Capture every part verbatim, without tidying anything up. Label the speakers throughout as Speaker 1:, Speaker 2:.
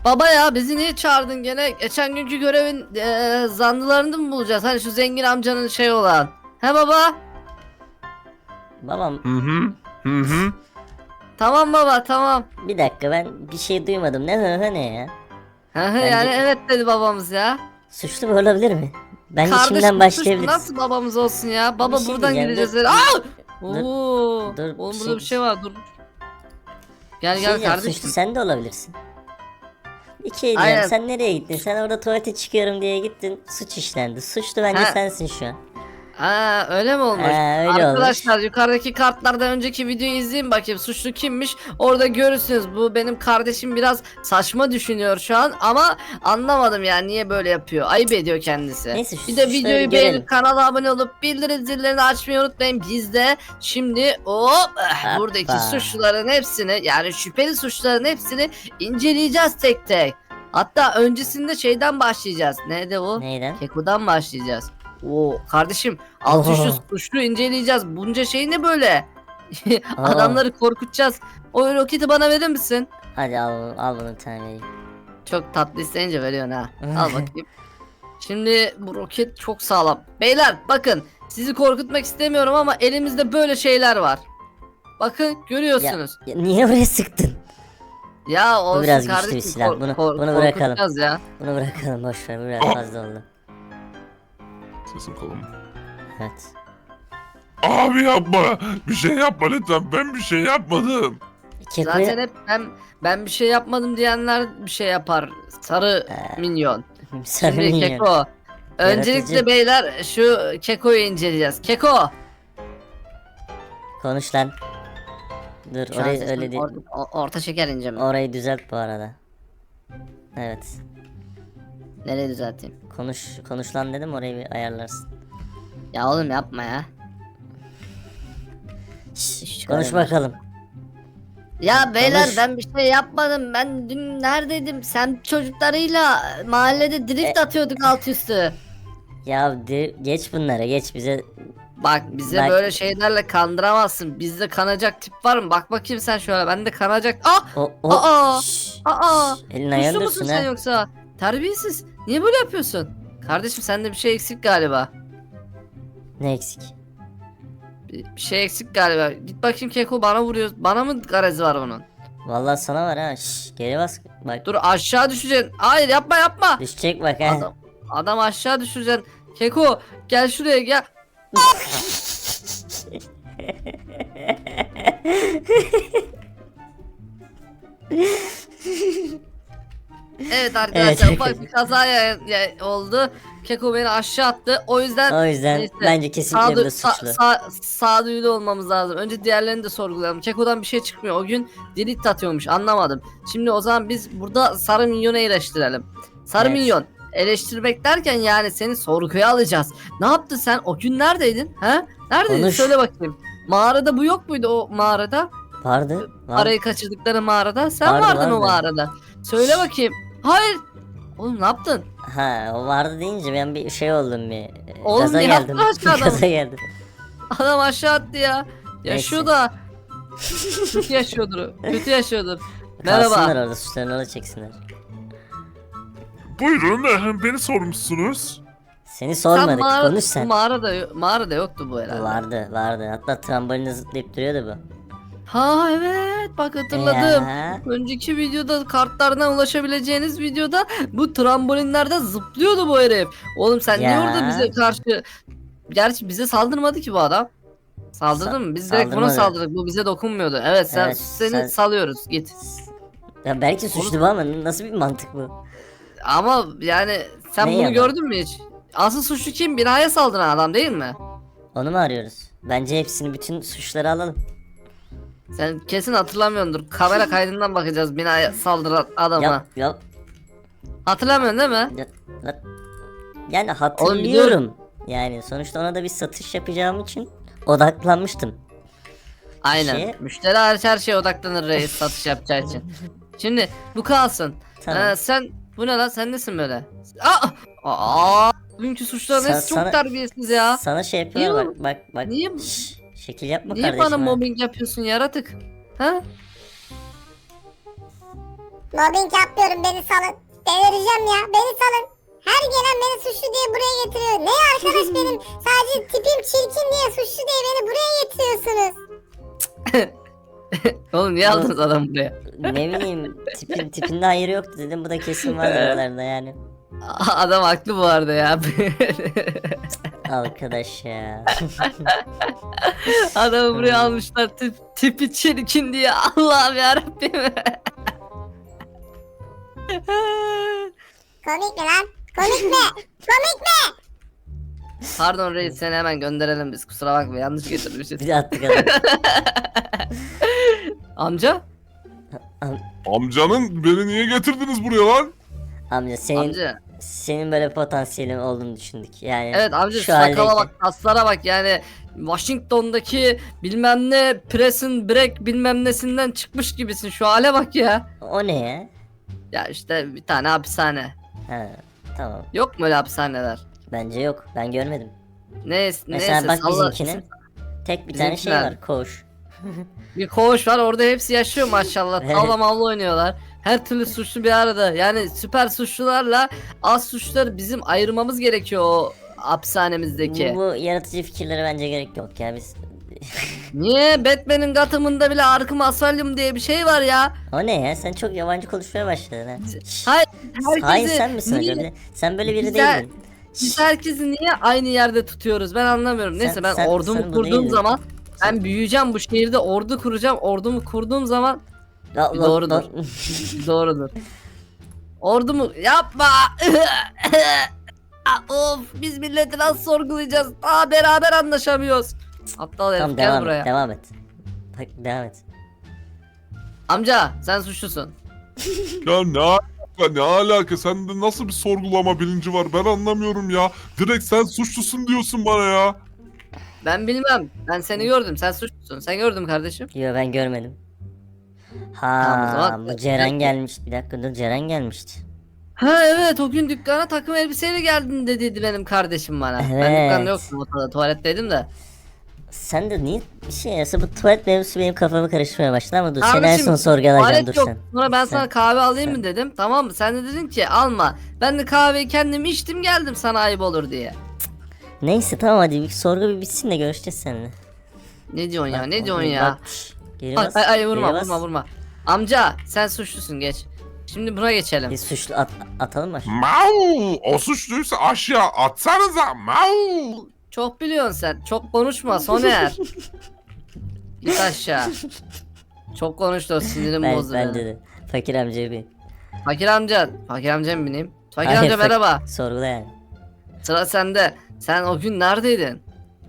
Speaker 1: Baba ya bizi niye çağırdın gene? Geçen günkü görevin eee zanlılarını mı bulacağız? Hani şu zengin amcanın şey olan. He baba?
Speaker 2: Babam
Speaker 3: Hı hı. Hı hı.
Speaker 1: Tamam baba tamam.
Speaker 2: bir dakika, ben bir şey duymadım. Ne hı hı ne ya?
Speaker 1: He he
Speaker 2: Bence-
Speaker 1: yani evet dedi babamız ya.
Speaker 2: Suçlu mu olabilir mi? Bence
Speaker 1: Kardeşim
Speaker 2: şimdiden
Speaker 1: suçlu
Speaker 2: başlayabiliriz.
Speaker 1: nasıl babamız olsun ya? Baba
Speaker 2: şey
Speaker 1: buradan
Speaker 2: diyeceğim,
Speaker 1: gideceğiz.
Speaker 2: dur.
Speaker 1: dedi. Aa!
Speaker 2: Dur,
Speaker 1: Oo!
Speaker 2: dur,
Speaker 1: Oğlum
Speaker 2: bir
Speaker 1: burada
Speaker 2: şey-
Speaker 1: bir şey var dur. Gel
Speaker 2: Bir şey
Speaker 1: gel
Speaker 2: diyeceğim,
Speaker 1: kardeşim.
Speaker 2: suçlu sen de olabilirsin. Bir şey diyeceğim,
Speaker 1: Aynen.
Speaker 2: sen nereye gittin? Sen orada tuvalete çıkıyorum diye gittin, suç işlendi. Suçlu bence
Speaker 1: Ha.
Speaker 2: sensin şu an.
Speaker 1: Aa öyle mi olmuş?
Speaker 2: Ha, öyle
Speaker 1: Arkadaşlar
Speaker 2: olmuş.
Speaker 1: yukarıdaki kartlardan önceki videoyu izleyin bakayım suçlu kimmiş. Orada görürsünüz. Bu benim kardeşim biraz saçma düşünüyor şu an ama anlamadım yani niye böyle yapıyor. Ayıp ediyor kendisi.
Speaker 2: Neyse, şu
Speaker 1: bir de
Speaker 2: suçları
Speaker 1: videoyu
Speaker 2: görelim.
Speaker 1: beğenip kanala abone olup bildirim zillerini açmayı unutmayın. Biz de şimdi hop eh, buradaki
Speaker 2: Hoppa.
Speaker 1: suçluların hepsini yani şüpheli suçluların hepsini inceleyeceğiz tek tek. Hatta öncesinde şeyden başlayacağız. Neydi o?
Speaker 2: Neyden?
Speaker 1: Keko'dan başlayacağız. Oo kardeşim alt üstü
Speaker 2: Oho.
Speaker 1: suçlu inceleyeceğiz. Bunca şey ne böyle?
Speaker 2: Aa.
Speaker 1: Adamları korkutacağız. O roketi bana verir misin?
Speaker 2: Hadi al, al bunu bir tane vereyim.
Speaker 1: Çok tatlı isteyince veriyorsun ha. Al bakayım. Şimdi bu roket çok sağlam. Beyler bakın sizi korkutmak istemiyorum ama elimizde böyle şeyler var. Bakın
Speaker 2: Ya,
Speaker 1: görüyorsunuz.
Speaker 2: ya niye oraya sıktın?
Speaker 1: Ya, olsun
Speaker 2: biraz güçlü bir
Speaker 1: kardeşim.
Speaker 2: silah.
Speaker 1: kor-
Speaker 2: Bunu-
Speaker 1: kor-
Speaker 2: bunu bırakalım.
Speaker 1: korkutacağız ya.
Speaker 2: Bunu bırakalım, boş ver, bu biraz fazla oldu.
Speaker 3: Sesim kalın.
Speaker 2: Evet.
Speaker 3: Abi yapma. Bir şey yapma lütfen. Ben bir şey yapmadım.
Speaker 2: Keko'ya
Speaker 1: Zaten hep ben ben bir şey yapmadım diyenler bir şey yapar. Sarı
Speaker 2: Ee,
Speaker 1: minyon.
Speaker 2: sarı
Speaker 1: Şimdi
Speaker 2: minyon.
Speaker 1: Keko. Öncelikle
Speaker 2: Yaratıcı.
Speaker 1: beyler şu Keko'yu inceleyeceğiz. Keko.
Speaker 2: Konuş lan. Dur,
Speaker 1: Şu an
Speaker 2: orayı
Speaker 1: sesim
Speaker 2: öyle değil.
Speaker 1: or- o- orta şeker ince mi?
Speaker 2: Orayı düzelt bu arada. Evet.
Speaker 1: Nereye düzelteyim?
Speaker 2: Konuş, konuş lan dedim, orayı bir ayarlarsın.
Speaker 1: Ya oğlum yapma ya.
Speaker 2: Şşş,
Speaker 1: Hiç
Speaker 2: konuş
Speaker 1: çıkaramam.
Speaker 2: bakalım.
Speaker 1: Ya beyler
Speaker 2: Konuş.
Speaker 1: ben bir şey yapmadım. Ben dün neredeydim? Sen çocuklarıyla mahallede drift
Speaker 2: E-
Speaker 1: atıyorduk alt üstü.
Speaker 2: Ya de- geç bunlara, geç bize.
Speaker 1: Bak bize
Speaker 2: Bak.
Speaker 1: böyle şeylerle kandıramazsın. Bizde kanacak tip var mı? Bak bakayım sen şöyle. Bende kanacak. Ah!
Speaker 2: O, o.
Speaker 1: Aa!
Speaker 2: Şşş,
Speaker 1: Aa!
Speaker 2: şşş, elini ayağını
Speaker 1: Suçlu musun
Speaker 2: dursun
Speaker 1: sen
Speaker 2: ha.
Speaker 1: yoksa? Terbiyesiz. Niye böyle yapıyorsun? Kardeşim sende bir şey eksik galiba.
Speaker 2: Ne eksik?
Speaker 1: Bir bir şey eksik galiba. Git bakayım Keko bana vuruyor. Bana mı garezi var onun?
Speaker 2: Vallahi sana var ha. Şşş, geri bas. Bak,
Speaker 1: Dur aşağı düşeceksin. Hayır yapma yapma.
Speaker 2: düşecek bak ha.
Speaker 1: Adam, adam aşağı düşeceksin. Keko gel şuraya gel. Evet arkadaşlar
Speaker 2: Evet.
Speaker 1: ufak bir kaza ya- ya- oldu. Keko beni aşağı attı. O yüzden
Speaker 2: O yüzden
Speaker 1: neyse,
Speaker 2: bence kesinlikle
Speaker 1: sağdu-
Speaker 2: bu da
Speaker 1: sa-
Speaker 2: suçlu.
Speaker 1: sa- sağduyulu olmamız lazım. Önce diğerlerini de sorgulayalım. Keko'dan bir şey çıkmıyor. O gün delete atıyormuş. Anlamadım. Şimdi o zaman biz burada Sarı Minyon'u eleştirelim. Sarı
Speaker 2: Evet.
Speaker 1: Minyon eleştirmek derken yani seni sorguya alacağız. Ne yaptın sen? O gün neredeydin? He? Neredeydin?
Speaker 2: Konuş.
Speaker 1: Söyle bakayım. Mağarada bu yok muydu o mağarada?
Speaker 2: Vardı. Vardı.
Speaker 1: Arayı kaçırdıkları mağarada. Sen
Speaker 2: Vardı,
Speaker 1: vardın o
Speaker 2: vardı.
Speaker 1: mağarada. Söyle bakayım. Hayır. Oğlum ne yaptın?
Speaker 2: Ha, o vardı deyince ben bir şey oldum bir. e,
Speaker 1: Oğlum
Speaker 2: gaza
Speaker 1: ne
Speaker 2: geldim.
Speaker 1: yaptın aşağıda?
Speaker 2: Gaza geldim.
Speaker 1: Adam aşağı attı ya. Yaşıyor
Speaker 2: Neyse.
Speaker 1: da. Kötü yaşıyordur. Kötü yaşıyordur.
Speaker 2: Kalsınlar
Speaker 1: Merhaba.
Speaker 2: orada, suçlarını orada çeksinler.
Speaker 3: Buyurun. eh, Beni sormuşsunuz.
Speaker 2: Seni sormadık,
Speaker 1: mağara-
Speaker 2: konuş sen.
Speaker 1: Mağarada, yo- mağarada yoktu bu herhalde.
Speaker 2: Vardı, vardı. Hatta trambolinle zıplayıp duruyordu bu.
Speaker 1: Ha evet bak hatırladım.
Speaker 2: Ya.
Speaker 1: Önceki videoda kartlardan ulaşabileceğiniz videoda bu trambolinlerde zıplıyordu bu herif. Oğlum sen niye
Speaker 2: Ya.
Speaker 1: orada bize karşı... Gerçi bize saldırmadı ki bu adam. Saldırdı
Speaker 2: Sa-
Speaker 1: mı? Biz direkt buna
Speaker 2: saldırmadı.
Speaker 1: saldırdık. Bu bize dokunmuyordu. Evet sen
Speaker 2: Evet,
Speaker 1: seni
Speaker 2: sen-
Speaker 1: salıyoruz. Git.
Speaker 2: Ya belki suçlu bu ama nasıl bir mantık bu?
Speaker 1: Ama yani sen
Speaker 2: Ne
Speaker 1: bunu
Speaker 2: yalan?
Speaker 1: gördün mü hiç? Asıl suçlu kim? Binaya saldıran adam değil mi?
Speaker 2: Onu mu arıyoruz? Bence hepsini, bütün suçları alalım.
Speaker 1: Sen kesin hatırlamıyordur. Kamera kaydından bakacağız binaya saldıran adama.
Speaker 2: Yap, yap.
Speaker 1: Hatırlamıyorsun değil mi?
Speaker 2: Ya- ya- Yani hatırlıyorum. Yani sonuçta ona da bir satış yapacağım için odaklanmıştım.
Speaker 1: Aynen.
Speaker 2: Şey-
Speaker 1: Müşteri hariç her şeye odaklanır reis satış yapacağı için. Şimdi bu kalsın.
Speaker 2: Tamam.
Speaker 1: Ee, sen bu ne lan sen nesin böyle? Aa! Aa! Bugünkü suçların
Speaker 2: Sa-
Speaker 1: hepsi çok
Speaker 2: sana-
Speaker 1: terbiyesiz ya.
Speaker 2: Sana şey yapıyorlar, bak bak bak.
Speaker 1: Niye-
Speaker 2: Şşş, şekil yapma
Speaker 1: Niye
Speaker 2: kardeşim
Speaker 1: bana
Speaker 2: ha.
Speaker 1: mobbing yapıyorsun yaratık? Ha?
Speaker 4: Mobbing yapmıyorum, beni salın. Delireceğim ya, beni salın. Her gelen beni suçlu diye buraya getiriyor. Ne arkadaş benim sadece tipim çirkin diye suçlu diye beni buraya getiriyorsunuz.
Speaker 1: Oğlum niye aldınız adamı buraya?
Speaker 2: Ne bileyim tipin tipinde hayır yoktu dedim, bu da kesin var aralarında yani.
Speaker 1: Adam haklı bu arada ya.
Speaker 2: Arkadaş ya.
Speaker 1: Adamı buraya almışlar tip, tipi çirkin diye. Allah'ım yarabbim.
Speaker 4: Komik mi lan? Komik mi? Komik mi?
Speaker 1: Pardon reis, seni hemen gönderelim biz, kusura bakma, yanlış getirmişiz.
Speaker 2: Bir de attık adam.
Speaker 1: Amca?
Speaker 3: Amcanın beni niye getirdiniz buraya lan?
Speaker 2: Amca senin
Speaker 1: Amca.
Speaker 2: senin böyle potansiyelin olduğunu düşündük yani.
Speaker 1: Evet amca,
Speaker 2: şu
Speaker 1: sakala
Speaker 2: haldeyken.
Speaker 1: bak, kaslara bak yani. Washington'daki bilmem ne Prison Break bilmem nesinden çıkmış gibisin, şu hale bak ya.
Speaker 2: O ne ya?
Speaker 1: Ya işte bir tane hapishane.
Speaker 2: Ha, tamam.
Speaker 1: Yok mu öyle hapishaneler?
Speaker 2: Bence yok. Ben görmedim.
Speaker 1: Neyse,
Speaker 2: Mesela
Speaker 1: neyse
Speaker 2: bak
Speaker 1: salla-
Speaker 2: bizimkine. Tek bir tane şey
Speaker 1: Bizimkiler.
Speaker 2: var. Koğuş.
Speaker 1: Bir koğuş var, orada hepsi yaşıyor maşallah.
Speaker 2: Evet.
Speaker 1: Tavla mavla oynuyorlar. Her türlü suçlu bir arada. Yani süper suçlularla az suçluları bizim ayırmamız gerekiyor o hapishanemizdeki.
Speaker 2: Bu, bu yaratıcı fikirlere bence gerek yok ya biz.
Speaker 1: Niye? Batman'in Gotham'ında bile Arkham Asylum diye bir şey var ya.
Speaker 2: O ne ya? Sen çok yabancı konuşmaya başladın ha. Şşş.
Speaker 1: Hayır,
Speaker 2: Hain
Speaker 1: herkesi
Speaker 2: sen misin
Speaker 1: niye-
Speaker 2: acaba? Sen böyle biri
Speaker 1: Güzel.
Speaker 2: değildin.
Speaker 1: Biz herkesi niye aynı yerde tutuyoruz? Ben anlamıyorum. Neyse
Speaker 2: Sen-
Speaker 1: ben
Speaker 2: sen-
Speaker 1: ordumu
Speaker 2: sen bu
Speaker 1: kurduğum
Speaker 2: değildin.
Speaker 1: zaman ben büyüyeceğim, bu şehirde ordu kuracağım. Ordumu kurduğum zaman
Speaker 2: La- la-
Speaker 1: Doğrudur.
Speaker 2: la-
Speaker 1: doğrudur. Ordumu yapma. Of, biz milleti nasıl sorgulayacağız? Daha beraber anlaşamıyoruz. Aptal herif,
Speaker 2: Tamam
Speaker 1: gel
Speaker 2: devam
Speaker 1: buraya.
Speaker 2: et. Devam et. Bak devam et.
Speaker 1: Amca sen suçlusun.
Speaker 3: Ya ne alaka, ne alaka? Sende nasıl bir sorgulama bilinci var? Ben anlamıyorum ya. Direkt sen suçlusun diyorsun bana ya.
Speaker 1: Ben bilmem. Ben seni gördüm. Sen suçlusun. Sen gördüm kardeşim.
Speaker 2: Yo ben görmedim.
Speaker 1: Tamam, o
Speaker 2: Ha
Speaker 1: zaman-
Speaker 2: bu Ceren gelmişti. Bir dakika dur, Ceren gelmişti.
Speaker 1: Ha evet, o gün dükkana takım elbiseyle geldin dediydi benim kardeşim bana. Ben
Speaker 2: Evet.
Speaker 1: dükkanda yoktum, ortada tuvaletteydim de.
Speaker 2: Sen de niye bir şey yasa bu tuvalet mevzusu benim kafamı karıştırmaya başladı ama dur seni en
Speaker 1: Kardeşim,
Speaker 2: son sorgulayacağım
Speaker 1: Tuvalet
Speaker 2: dur
Speaker 1: yok.
Speaker 2: sen.
Speaker 1: Sonra ben
Speaker 2: Sen-
Speaker 1: sana kahve alayım
Speaker 2: sen-
Speaker 1: mı dedim. Tamam mı? Sen de dedin ki alma. Ben de kahveyi kendim içtim geldim, sana ayıp olur diye.
Speaker 2: Neyse tamam hadi bir sorgu bir bitsin de görüşeceğiz seninle.
Speaker 1: Ne diyorsun ya?
Speaker 2: Bak,
Speaker 1: Ne diyorsun
Speaker 2: bak,
Speaker 1: ya?
Speaker 2: şş, geri
Speaker 1: Ay
Speaker 2: bas,
Speaker 1: ay, ay vurma
Speaker 2: geri bas.
Speaker 1: vurma vurma. Amca sen suçlusun, geç. Şimdi buna geçelim.
Speaker 2: Bir suçlu at, atalım mı?
Speaker 3: Mau! O suçluysa aşağı atsanıza. Mau!
Speaker 1: Çok biliyorsun sen. Çok konuşma Soner. Git aşağı. Çok konuştu, o sinirim
Speaker 2: Ben,
Speaker 1: bozdu.
Speaker 2: bence
Speaker 1: beni.
Speaker 2: de. Fakir amcaya bir.
Speaker 1: Fakir amca. Fakir amca mı bineyim? Fakir
Speaker 2: Hayır,
Speaker 1: amca
Speaker 2: fak-
Speaker 1: merhaba.
Speaker 2: Sorgula yani.
Speaker 1: Sıra sende. Sen o gün neredeydin?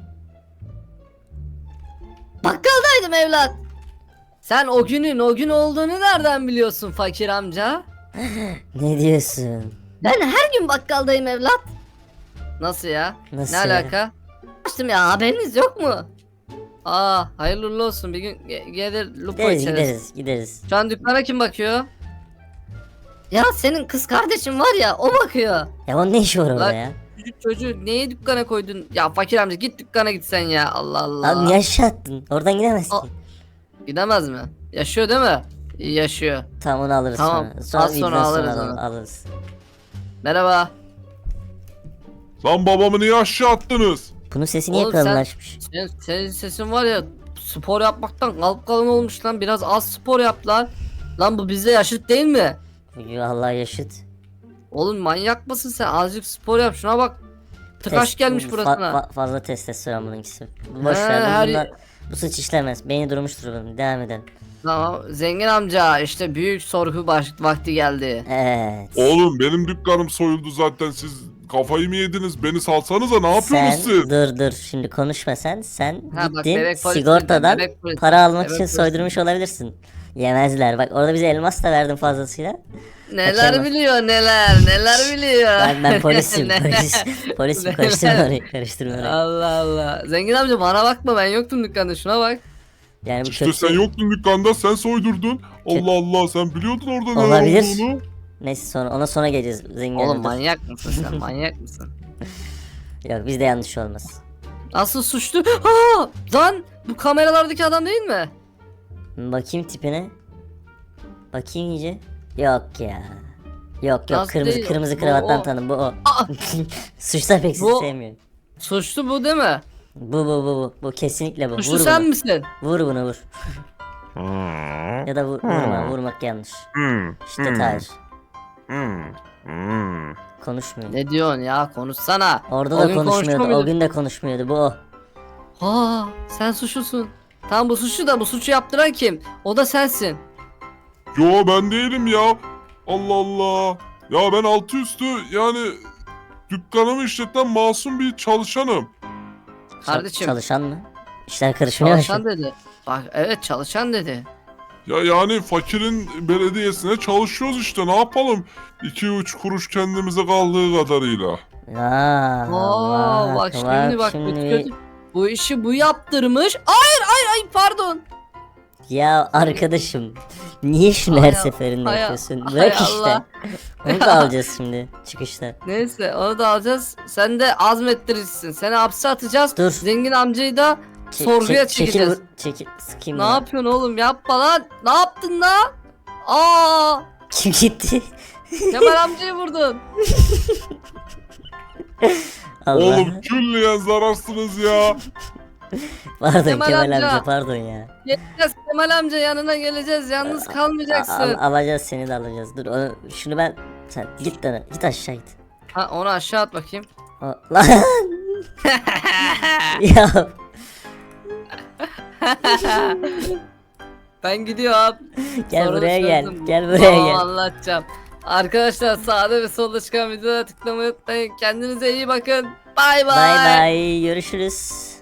Speaker 1: Bakkaldaydım evlat. Sen o günün o gün olduğunu nereden biliyorsun fakir amca?
Speaker 2: Ne diyorsun?
Speaker 1: Ben her gün bakkaldayım evlat. Nasıl ya?
Speaker 2: Nasıl
Speaker 1: ne
Speaker 2: ya?
Speaker 1: alaka? Açtım ya, haberiniz yok mu? Aa, hayırlı uğurlu olsun, bir gün ge- gelir lupa
Speaker 2: Gideriz
Speaker 1: içeriz.
Speaker 2: gideriz gideriz.
Speaker 1: Şu an dükkana kim bakıyor? Ya senin kız kardeşin var ya, o bakıyor.
Speaker 2: Ya onun ne işi var orada
Speaker 1: Lan-
Speaker 2: ya?
Speaker 1: Çocuk çocuğu neye dükkana koydun? Ya fakir amca git dükkana gitsen ya, Allah Allah.
Speaker 2: Abi niye aşağı attın? Oradan gidemez ki.
Speaker 1: Aa. Gidemez mi? Yaşıyor değil mi? İyi yaşıyor.
Speaker 2: Tamam onu alırız
Speaker 1: Tamam,
Speaker 2: sonra. Sonra
Speaker 1: az sonra
Speaker 2: videodan
Speaker 1: alırız
Speaker 2: alalım,
Speaker 1: onu.
Speaker 2: alırız.
Speaker 1: Merhaba.
Speaker 3: Lan babamı niye aşağı attınız?
Speaker 2: Bunun sesi niye
Speaker 1: Oğlum sen-
Speaker 2: kalınlaşmış?
Speaker 1: Senin, senin sesin var ya, spor yapmaktan kalp kalın olmuş lan. Biraz az spor yap lan. Lan bu bizde yaşıt değil mi?
Speaker 2: Yo, Allah yaşıt.
Speaker 1: Oğlum manyak mısın sen? Azıcık spor yap, şuna bak. Tıkaş
Speaker 2: Test-
Speaker 1: gelmiş
Speaker 2: fa-
Speaker 1: burasına.
Speaker 2: fa- fazla testosteron bununkisi. Boş
Speaker 1: He,
Speaker 2: ver bu,
Speaker 1: her-
Speaker 2: bunlar- bu suç işlemez. Beyni durmuştur bunun. Devam edelim.
Speaker 1: Tamam, zengin amca işte büyük sorgu baş vakti geldi.
Speaker 2: Evet.
Speaker 3: Oğlum benim dükkanım soyuldu zaten. Siz kafayı mı yediniz? Beni salsanıza, ne yapıyorsunuz
Speaker 2: Sen
Speaker 3: siz?
Speaker 2: dur dur şimdi konuşma sen. Sen
Speaker 1: Ha, bak,
Speaker 2: gittin
Speaker 1: bebek polisi,
Speaker 2: sigortadan
Speaker 1: bebek polisi,
Speaker 2: para almak
Speaker 1: bebek
Speaker 2: için
Speaker 1: polisi.
Speaker 2: soydurmuş olabilirsin. Yemezler. Bak orada bize elmas da verdin fazlasıyla.
Speaker 1: Neler
Speaker 2: Kaçırma.
Speaker 1: biliyor neler neler biliyor.
Speaker 2: Ben, ben polisim.
Speaker 1: Neler-
Speaker 2: polis, polisim. Karıştırma orayı. Karıştırma orayı.
Speaker 1: Allah Allah. Zengin amca bana bakma, ben yoktum dükkanda, şuna bak.
Speaker 2: Yani bu
Speaker 3: İşte
Speaker 2: kötü.
Speaker 3: sen yoktun dükkanda, sen soydurdun. Allah Allah, sen biliyordun orada ne
Speaker 2: Olabilir.
Speaker 3: olduğunu.
Speaker 2: Neyse sonra ona sonra geleceğiz. Zengin
Speaker 1: Oğlum
Speaker 2: dur.
Speaker 1: manyak mısın sen, manyak mısın?
Speaker 2: Yok bizde yanlış olmaz.
Speaker 1: Asıl suçlu. Ha! Lan bu kameralardaki adam değil mi?
Speaker 2: Bakayım tipine. Bakayım iyice. Yok ya. Yok yok
Speaker 1: Nasıl
Speaker 2: kırmızı
Speaker 1: değil?
Speaker 2: kırmızı
Speaker 1: Bu
Speaker 2: kravattan
Speaker 1: o.
Speaker 2: tanım bu o.
Speaker 1: Aa!
Speaker 2: Suçlar pek sizi
Speaker 1: Bu-
Speaker 2: sevmiyor.
Speaker 1: Suçlu bu değil mi?
Speaker 2: Bu bu bu bu. Bu kesinlikle bu.
Speaker 1: Suçlu
Speaker 2: Vur
Speaker 1: sen
Speaker 2: bunu.
Speaker 1: misin?
Speaker 2: Vur bunu vur. Ya da vur, vurma vurmak yanlış. Şiddet hayır. Konuşmuyor.
Speaker 1: Ne diyorsun ya, konuşsana.
Speaker 2: Orada
Speaker 1: O
Speaker 2: da
Speaker 1: gün
Speaker 2: konuşmuyordu.
Speaker 1: konuşmuyor
Speaker 2: O
Speaker 1: muydun?
Speaker 2: gün de konuşmuyordu. Bu o.
Speaker 1: Aa, sen suçlusun. Tamam, bu suçlu da bu suçu yaptıran kim? O da sensin.
Speaker 3: Yo ben değilim ya. Allah Allah. Ya ben altı üstü yani dükkanımı işleten masum bir çalışanım.
Speaker 2: Çal-
Speaker 1: Kardeşim.
Speaker 2: Çalışan mı? İşler karışmıyor mu?
Speaker 1: Çalışan dedi. Bak evet, çalışan dedi.
Speaker 3: Ya yani fakirin belediyesine çalışıyoruz işte, ne yapalım? iki üç kuruş kendimize kaldığı kadarıyla.
Speaker 2: Aa,
Speaker 1: Oo, bak şimdi bak, bu, kötü- bu işi bu yaptırmış. Hayır hayır hayır, pardon.
Speaker 2: Ya arkadaşım niye şunu her
Speaker 1: Hay-
Speaker 2: seferinde
Speaker 1: hay-
Speaker 2: yapıyorsun?
Speaker 1: hay
Speaker 2: Bırak işte.
Speaker 1: Allah.
Speaker 2: Onu da alacağız şimdi çıkışta.
Speaker 1: Neyse, onu da alacağız. Sen de azmettirirsin. Seni hapse atacağız.
Speaker 2: Dur.
Speaker 1: Zengin amcayı da
Speaker 2: Çek-
Speaker 1: sorguya
Speaker 2: çek- çekil
Speaker 1: çekeceğiz.
Speaker 2: vur- çekil. Sıkayım
Speaker 1: Ne
Speaker 2: ya.
Speaker 1: yapıyorsun oğlum, yapma lan. Ne yaptın lan? Aa,
Speaker 2: Kim gitti?
Speaker 1: Kemal amcayı vurdun.
Speaker 2: Allah.
Speaker 3: Oğlum külliyen zararsınız ya.
Speaker 2: Pardon
Speaker 1: Kemal
Speaker 2: Kemal,
Speaker 1: amca.
Speaker 2: amca. pardon ya.
Speaker 1: Geleceğiz Kemal amca, yanına geleceğiz. Yalnız
Speaker 2: Al-
Speaker 1: kalmayacaksın.
Speaker 2: alacağız seni de alacağız. Dur onu, şunu ben sen git lan git aşağı git.
Speaker 1: Ha, onu aşağı at bakayım.
Speaker 2: O, lan. Ya
Speaker 1: Ben gidiyorum.
Speaker 2: gel
Speaker 1: Sorunu
Speaker 2: buraya gel.
Speaker 1: çözdüm.
Speaker 2: Gel buraya
Speaker 1: Tamam,
Speaker 2: gel.
Speaker 1: anlatacağım. Arkadaşlar, sağda ve solda çıkan videolara tıklamayı unutmayın. Kendinize iyi bakın. Bay bay.
Speaker 2: Bay bay görüşürüz.